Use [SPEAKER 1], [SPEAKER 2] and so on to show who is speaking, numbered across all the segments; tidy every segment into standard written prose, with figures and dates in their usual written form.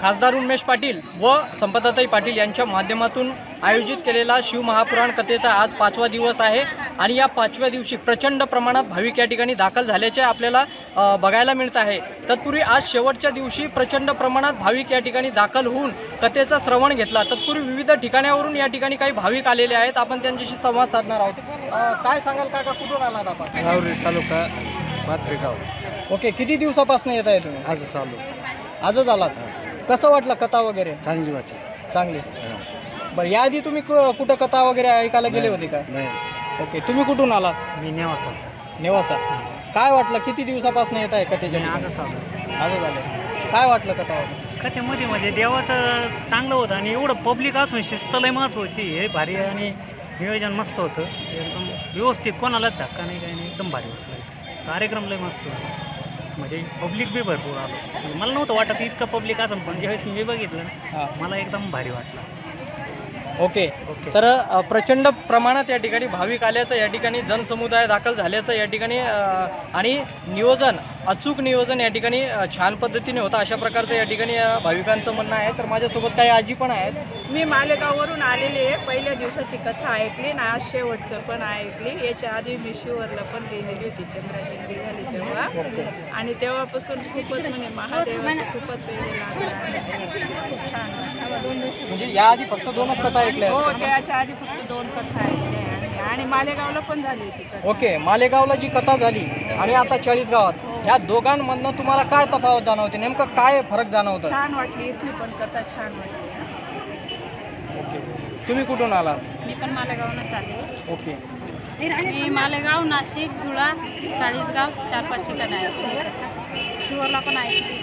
[SPEAKER 1] खासदार उमेश पाटील व संपदाताई पाटील यांच्या माध्यमातून आयोजित केलेला शिवमहापुराण कथेचा आज 5वा दिवस आहे आणि या 5व्या दिवशी प्रचंड प्रमाणात भाविक या ठिकाणी दाखल झाल्याचे आपल्याला बघायला मिळत आहे। तत्पूर्वी आज शेवटच्या दिवशी प्रचंड प्रमाणात भाविक या ठिकाणी दाखल होऊन कथेचा श्रवण घेतला। तत्पूर्वी विविध ठिकाणावरून या ठिकाणी काही भाविक आलेले आहेत, आपण त्यांच्याशी संवाद साधणार आहोत। काय सांगाल काका, कुठून आलात आपण?
[SPEAKER 2] राहुरी तालुका पात्रेगाव।
[SPEAKER 1] ओके, किती दिवसापासून येत आहे तुम्ही?
[SPEAKER 2] आजच आलो।
[SPEAKER 1] आजच आलात? कसं वाटलं कथा वगैरे?
[SPEAKER 2] चांगली वाटली।
[SPEAKER 1] चांगली। बरं, याआधी तुम्ही कुठं कथा वगैरे ऐकायला गेले होते का?
[SPEAKER 2] नाही।
[SPEAKER 1] ओके, तुम्ही कुठून आलात?
[SPEAKER 2] मी नेवासा।
[SPEAKER 1] नेवासा। काय वाटलं, किती दिवसापासून येत आहे कथेच्या?
[SPEAKER 2] आजच आलो।
[SPEAKER 1] आजच आले। काय वाटलं कथा वगैरे?
[SPEAKER 2] कथेमध्ये म्हणजे देवाचं चांगलं होतं आणि एवढं पब्लिक असून शिस्त लय महत्त्वाची, हे भारी आणि नियोजन मस्त होतं, एकदम व्यवस्थित, कोणालाच धक्का नाही, काही नाही, एकदम भारी होतं। कार्यक्रम लय मस्त होता, म्हणजे पब्लिक बी भरपूर आलो। म्हणजे मला नव्हतं वाटत इतकं पब्लिक असेल, पण ज्यावेळेस मी बघितलं ना मला एकदम भारी वाटलं।
[SPEAKER 1] ओके, तर प्रचंड प्रमाणात या ठिकाणी भाविक आल्याचं, या ठिकाणी जनसमुदाय दाखल झाल्याचं या ठिकाणी आणि नियोजन, अचूक नियोजन या ठिकाणी छान पद्धतीने होतं, अशा प्रकारचं या ठिकाणी भाविकांचं म्हणणं आहे। तर माझ्यासोबत काही आजी पण आहेत।
[SPEAKER 3] मी मालेगाववरून आलेली आहे। पहिल्या दिवसाची कथा ऐकली ना, आज शेवटचं पण ऐकली। याच्या आधी मी शिवरला पण गेलेली होती, चंद्राचंद्री झाली तेव्हा, आणि तेव्हापासून खूपच म्हणजे महादेवाचं खूपच वेळ लागला, खूप छान वाटलं।
[SPEAKER 1] म्हणजे याआधी फक्त 2च कथा ऐकल्या?
[SPEAKER 3] हो, त्याच्या आधी फक्त 2 कथा ऐकल्या आणि मालेगावला पण झाली होती कथा।
[SPEAKER 1] ओके, मालेगावला जी कथा झाली आणि आता 40 गावात, ह्या दोघांमधनं तुम्हाला काय तफावत जाणवते? नेमकं काय फरक जाणवतं?
[SPEAKER 3] छान वाटली, इथली पण कथा छान वाटली।
[SPEAKER 1] ओके, तुम्ही कुठून आला?
[SPEAKER 3] मी पण मालेगावनंच आले।
[SPEAKER 1] ओके,
[SPEAKER 3] मी मालेगाव, नाशिक, धुळा, चाळीसगाव, 4-5 ठिकाणं ऐकली। शिवरला पण ऐकली।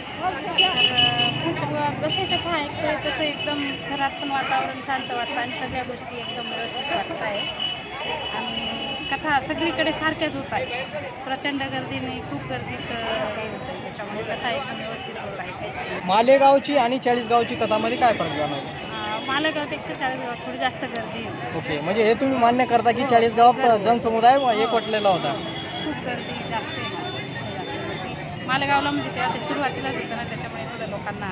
[SPEAKER 3] तर जशी कथा ऐकतोय तसं एकदम घरात पण वातावरण शांत वाटतं आणि सगळ्या गोष्टी एकदम व्यवस्थित वाटत आहे आणि कथा सगळीकडे सारख्याच होत आहे, प्रचंड गर्दी नाही, खूप गर्दीत हे होतं, त्याच्यामुळे कथा एकदम व्यवस्थित होत आहे।
[SPEAKER 1] मालेगावची आणि 40 गावची कथामध्ये काय फरक जाणवतो?
[SPEAKER 3] मालेगावपेक्षा 40 गावात थोडी जास्त गर्दी आहे।
[SPEAKER 1] ओके, म्हणजे हे तुम्ही मान्य करता की 40 गावात जनसमुदाय एकवटलेला होता?
[SPEAKER 3] खूप गर्दी जास्त आहे, मालेगावपेक्षा जास्त गर्दी मालेगावला, म्हणजे तेव्हा ते सुरुवातीलाच होतं ना, त्याच्यामुळे थोडं लोकांना।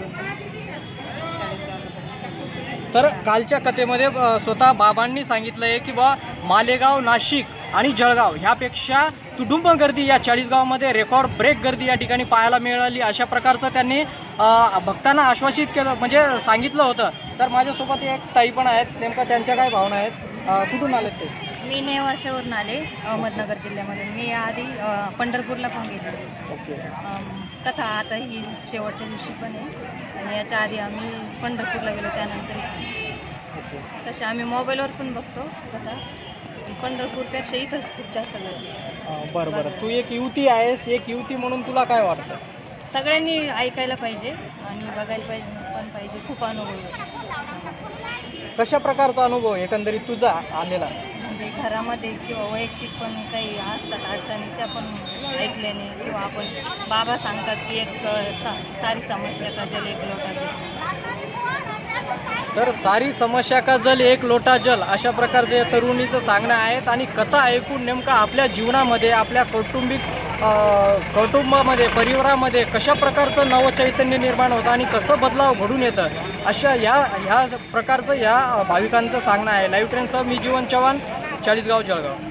[SPEAKER 1] तर कालच्या कथेमध्ये स्वतः बाबांनी सांगितलं आहे की बा मालेगाव, नाशिक आणि जळगाव ह्यापेक्षा तुडुंब गर्दी या 40 गावामध्ये रेकॉर्ड ब्रेक गर्दी या ठिकाणी पाहायला मिळाली, अशा प्रकारचं त्यांनी भक्तांना आश्वासित केलं, म्हणजे सांगितलं होतं। तर माझ्यासोबत एक ताई पण आहेत, नेमकं त्यांच्या काय भावना आहेत? कुठून आलेत ते?
[SPEAKER 3] मी नेवाशावरून आले, अहमदनगर जिल्ह्यामध्ये। मी आधी पंढरपूरला पण गेले।
[SPEAKER 1] ओके,
[SPEAKER 3] कथा आता ही शेवटच्या दिवशी पण आहे आणि याच्या आधी आम्ही पंढरपूरला गेलो, त्यानंतर तसे आम्ही मोबाईलवर पण बघतो कथा, पंढरपूरपेक्षा इथंच खूप जास्त गर्दी।
[SPEAKER 1] बरं बरं, तू एक युवती आहेस, एक युवती म्हणून तुला काय वाटतं?
[SPEAKER 3] सगळ्यांनी ऐकायला पाहिजे आणि बघायला पाहिजे, खूप अनुभव आहे।
[SPEAKER 1] कशा प्रकारचा अनुभव एकंदरीत तुझा आलेला?
[SPEAKER 3] म्हणजे घरामध्ये किंवा वैयक्तिक पण काही असतात अडचणी, त्या पण ऐकल्याने, किंवा आपण बाबा सांगतात की एक सारी समस्या का जल एक लोटा जल।
[SPEAKER 1] तर सारी समस्या का जल एक लोटा जल, अशा प्रकारचे या तरुणीचं सांगणं आहेत आणि कथा ऐकून नेमकं आपल्या जीवनामध्ये, आपल्या कौटुंबामध्ये, परिवारामध्ये कशा प्रकारचं नवचैतन्य निर्माण होतं आणि कसं बदलाव घडून येतं, अशा ह्या प्रकारचं या भाविकांचं सांगणं आहे। लाईव्ह ट्रेनसह मी जीवन चव्हाण, 40 गाव, जळगाव।